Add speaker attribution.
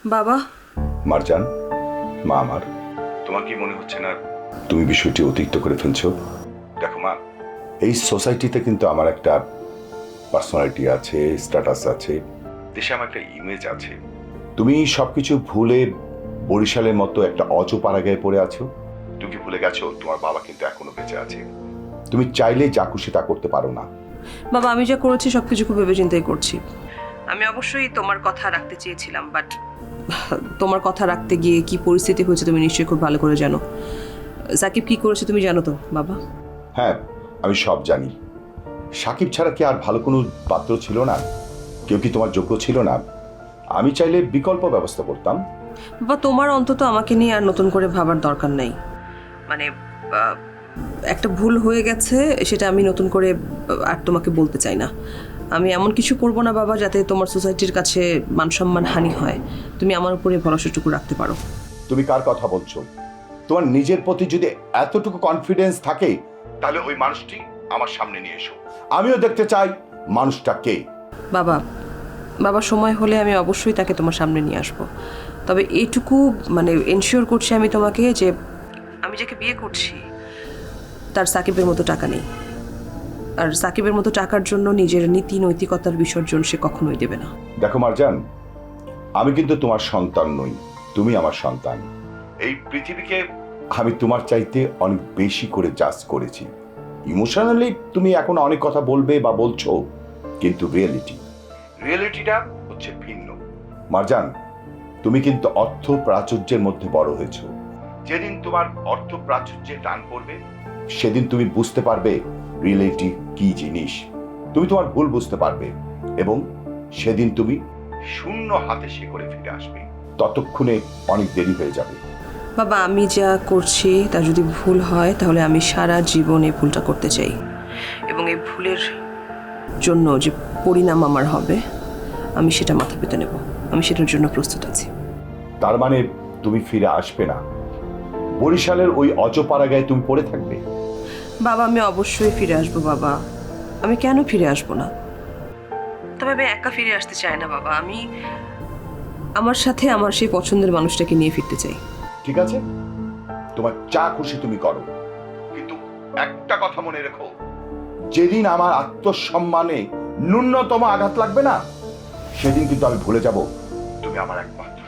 Speaker 1: বাবা।
Speaker 2: মারজান, মা আমার, তোমার কি মনে হচ্ছে না তুমি বিষয়টি অতিরিক্ত করে ফেলছো? দেখো মা, এই সোসাইটিতে কিন্তু আমার একটা পার্সোনালিটি আছে, স্ট্যাটাস আছে, দেশে আমার একটা ইমেজ আছে। তুমি সবকিছু ভুলে বরিশালের মতো একটা অজপাড়াগায় পড়ে আছো। তুমি কি ভুলে গেছো তোমার বাবা কিন্তু এখনো বেঁচে আছে? তুমি চাইলে যা খুশি তা করতে পারো না।
Speaker 1: বাবা, আমি যা করেছি সবকিছু খুব ভেবে চিন্তাই করছি। আমি অবশ্যই তোমার কথা রাখতে চেয়েছিলাম, বাট তোমার কথা রাখতে গিয়ে কি পরিস্থিতি হয়েছে তুমি নিশ্চয়ই খুব ভালো করে জানো। সাকিব কি করেছে তুমি জানো তো বাবা?
Speaker 2: হ্যাঁ, আমি সব জানি। সাকিব ছাড়া কি আর ভালো কোনো পাত্র ছিল না? কেউ কি তোমার যোগ্য ছিল না? আমি চাইলে বিকল্প ব্যবস্থা করতাম।
Speaker 1: বাবা, তোমার অন্তত আমাকে নিয়ে আর নতুন করে ভাবার দরকার নেই। মানে একটা ভুল হয়ে গেছে, সেটা আমি নতুন করে আর তোমাকে বলতে চাই না। আমি এমন কিছু করব না বাবা যাতে তোমার সোসাইটির কাছে মানসম্মান হানি হয়। তুমি আমার উপরে ভরসাটুকু রাখতে পারো।
Speaker 2: তুমি কার কথা বলছো? তোমার নিজের প্রতি যদি এতটুকু কনফিডেন্স থাকে তাহলে ওই মানুষটি আমার সামনে নিয়ে এসো। আমিও দেখতে চাই মানুষটা কে।
Speaker 1: বাবা, বাবা সময় হলে আমি অবশ্যই তাকে তোমার সামনে নিয়ে আসবো। তবে এইটুকু মানে এনশিওর করছি আমি তোমাকে যে আমি যাকে বিয়ে করছি তার সাকিবের মতো টাকা নেই। আর সাকিবের মতো টাকার জন্য নিজের নীতি নৈতিকতার বিসর্জন সে কখনোই দেবে না।
Speaker 2: দেখো মারজান, আমি কিন্তু তোমার সন্তান নই, তুমি আমার সন্তান। এই পৃথিবীকে আমি তোমার চাইতে অনেক বেশি করে জাজ করেছি। ইমোশনালি তুমি এখন অনেক কথা বলবে বা বলছো, কিন্তু রিয়েলিটিটা হচ্ছে ভিন্ন। মারজান, তুমি কিন্তু অর্থ প্রাচুর্যের মধ্যে বড় হয়েছো। যেদিন তোমার অর্থ প্রাচুর্যে টান পড়বে সেদিন তুমি বুঝতে পারবে রিয়েলিটি কি জিনিস। তুমি তোমার ভুল বুঝতে পারবে এবং সেদিন তুমি শূন্য হাতে করে ফিরে আসবে। ততক্ষণে অনেক দেরি হয়ে যাবে।
Speaker 1: বাবা, আমি যা করছি তা যদি ভুল হয় তাহলে আমি সারা জীবন এই ভুলটা করতে চাই, এবং এই ভুলের জন্য যে পরিণাম আমার হবে আমি সেটা মাথা পেতে নেব। আমি সেটার জন্য প্রস্তুত আছি।
Speaker 2: তার মানে তুমি ফিরে আসবে না? বরিশালের ওই অজপাড়াগায় তুমি পড়ে থাকবে?
Speaker 1: বাবা, আমি অবশ্যই ফিরে আসবো বাবা। আমি কেন ফিরে আসবো না? তবে আমি একা ফিরে আসতে চাই না বাবা। আমি আমার সাথে আমার সেই পছন্দের মানুষটাকে নিয়ে ফিরতে চাই।
Speaker 2: ঠিক আছে, তোমার যা খুশি তুমি করো, কিন্তু একটা কথা মনে রেখো, যেদিন আমার আত্মসম্মানে ন্যূনতম আঘাত লাগবে না সেদিন কিন্তু আমি ভুলে যাব তুমি আমার একমাত্র